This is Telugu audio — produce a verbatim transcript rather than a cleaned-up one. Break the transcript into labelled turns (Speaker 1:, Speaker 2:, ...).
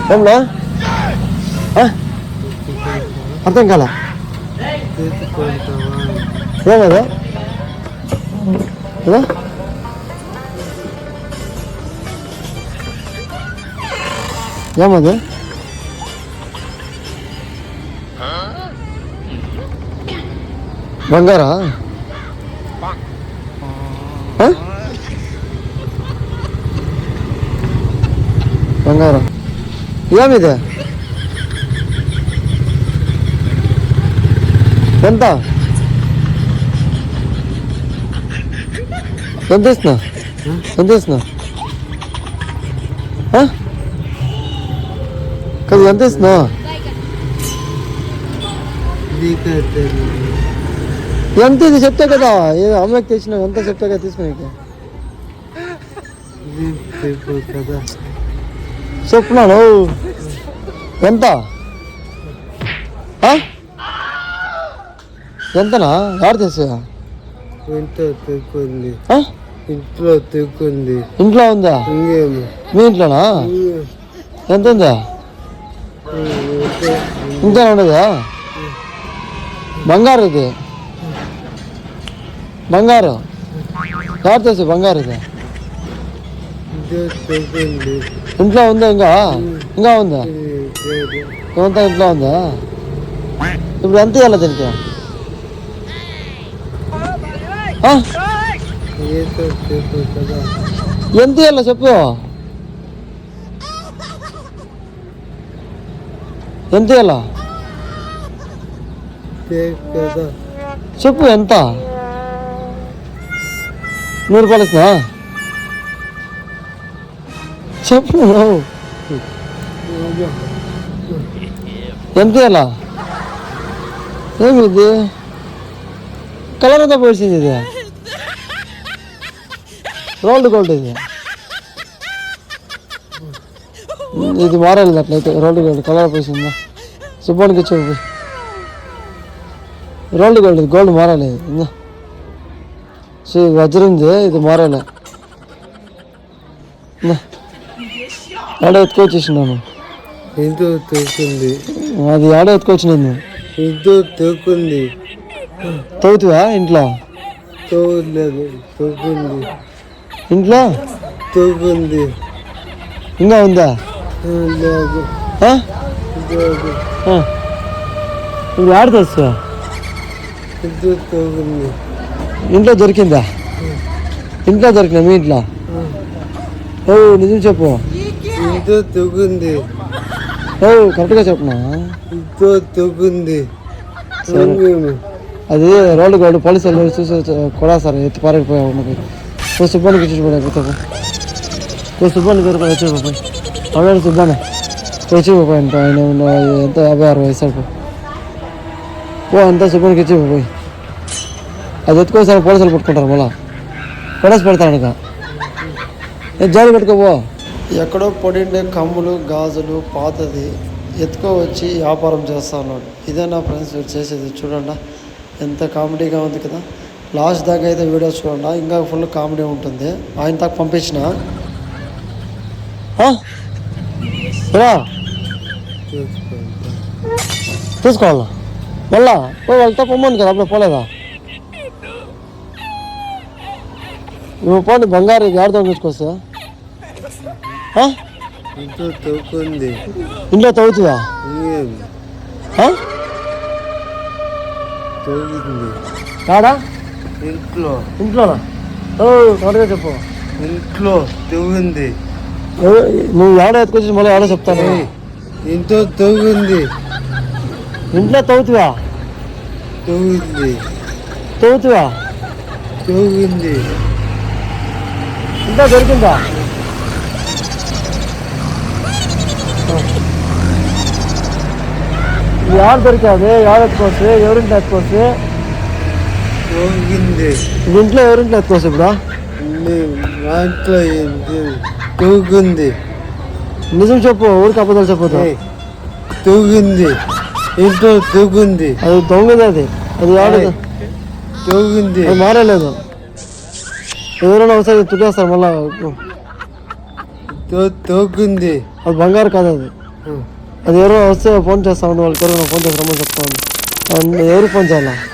Speaker 1: ఏమన్నా అర్థం కాల ఏమదా ఏమది బంగారా బంగారం ఏమిది ఎంత ఎంత ఇస్తున్నా ఎంత ఇస్తున్నా కదా ఎంత ఇస్తున్నా ఎంత ఇది చెప్తే కదా అమ్మకి తెచ్చినా ఎంత చెప్తే కదా తీసుకుని చెప్పున్నాను ఎంత ఎంతనా ఎవరు తెచ్చా
Speaker 2: ఇంట్లో తెక్కుంది ఇంట్లో తెక్కుంది
Speaker 1: ఇంట్లో ఉందా మీ ఇంట్లోనా ఎంత ఉందా ఇంకా ఉండదా బంగారు ఇది బంగారు ఎవరు తెచ్చా బంగారు ఇది ఇంట్లో ఉందా ఇంకా ఇంకా ఉందా ఏమంతా ఇంట్లో ఉందా ఇప్పుడు ఎంత ఇవ్వాలి దీనికి ఎంత ఇవ్వాలా చెప్పు ఎంత ఇవ్వాలా చెప్పు ఎంత నూరు రూపాయలు ఇస్తున్నా చెప్పు ఎంత ఇవ్వాలా ఏమి ఇది కలర్ అంతా పోసింది ఇది రోల్డ్ గోల్డ్ ఇది ఇది మారాలి అట్లయితే రోల్డ్ గోల్డ్ కలర్ పోసిందా సుబ్బానికి ఇచ్చి రోల్డ్ గోల్డ్ ఇది గోల్డ్ మారాలి ఇందా సో ఇది వజ్రంది ఇది మారాలి ఆడ ఎత్తుకొచ్చేసినాను
Speaker 2: ఇంట్లో తోకుంది
Speaker 1: అది ఆడ ఎత్తుకొచ్చినాను
Speaker 2: ఇంట్లో తోకుంది
Speaker 1: తవ్వుతువా ఇంట్లో
Speaker 2: తోలేదు తోకుంది
Speaker 1: ఇంట్లో
Speaker 2: తోకుంది
Speaker 1: ఇంకా ఉందా
Speaker 2: లేదు
Speaker 1: ఇప్పుడు ఆడ తెస్తా
Speaker 2: ఇంట్లో తోకుంది
Speaker 1: ఇంట్లో దొరికిందా ఇంట్లో దొరికినా మీ ఇంట్లో ఓ నిజం చెప్పు
Speaker 2: ఇంట్లో తోకుంది
Speaker 1: ఓ కరెక్ట్గా చెప్పునా
Speaker 2: ఇంట్లో తోకుంది
Speaker 1: అది రోడ్డు గోడు పోలీసులు చూసి కూడా సార్ ఎత్తి పారకపోయావు మనకి ఓ సుబ్బానికి ఇచ్చిపోయా ఓ సుబ్బానికి దొరకదు వచ్చిపోయి అవును సుబ్బానే వచ్చిపోయి ఎంత ఆయన ఎంత యాభై అరవై వయసు ఓ అంతా సుబ్బానికి ఇచ్చిపోయి అది ఎత్తుకోసారి పోలీసులు పట్టుకుంటారు మళ్ళా కొడసి పెడతాను ఇక జాలి పెట్టుకోపో ఎక్కడో పొడిండే కమ్ములు గాజులు పాతది ఎత్తుకో వచ్చి వ్యాపారం చేస్తా ఉన్నాడు. ఇదే నా ఫ్రెండ్స్ వీడు చేసేది. చూడండి ఎంత కామెడీగా ఉంది కదా. లాస్ట్ దాకా అయితే వీడియో చూడండి, ఇంకా ఫుల్ కామెడీ ఉంటుంది. ఆయన దాకా పంపించిన తీసుకోవాలా మళ్ళా వెళ్తా పొమ్మను కదా, అప్పుడు పోలేదా నువ్వు పోండి. బంగారు ఇది ఆడుతో తీసుకొస్తా ఇంట్లో తవ్వుతుందా కాడా
Speaker 2: ఇంట్లో
Speaker 1: ఇంట్లోనా త్వరగా చెప్పు.
Speaker 2: ఇంట్లో తవ్వింది.
Speaker 1: నువ్వు ఎవడో ఎత్తుకొచ్చి మళ్ళీ ఎవడో చెప్తాను.
Speaker 2: ఇంట్లో తవ్వింది.
Speaker 1: ఇంట్లో తవ్వుతువా
Speaker 2: తవ్వింది
Speaker 1: తవ్వుతువా
Speaker 2: తవ్వింది.
Speaker 1: ఇంట్లో దొరికిందా? ఎవరు దొరికాది? ఎవరు ఎత్తుకోవచ్చు? ఎవరింట్లో ఎత్తుకోవచ్చు? ఇంట్లో ఎవరింట్లో ఎత్తుకోవచ్చు? ఇప్పుడు
Speaker 2: తూగుంది.
Speaker 1: నిజం చెప్పు, ఊరికి అబద్ధాలు చెప్పదు.
Speaker 2: తూగింది. ఇంట్లో తూగుంది.
Speaker 1: అది దొంగది. అది అది ఎవరు
Speaker 2: తూగింది.
Speaker 1: అది మారలేదు. ఎవరైనా ఒకసారి తుట్టేస్తారు మళ్ళా.
Speaker 2: తోకుంది.
Speaker 1: అది బంగారు కాదు. అది
Speaker 2: ఆ.
Speaker 1: అది ఎవరో వస్తే ఫోన్ చేస్తా ఉండి వాళ్ళకి ఎవరైనా ఫోన్ చేసి రమ్మని చెప్తాను ఎవరు ఫోన్ చేయాలా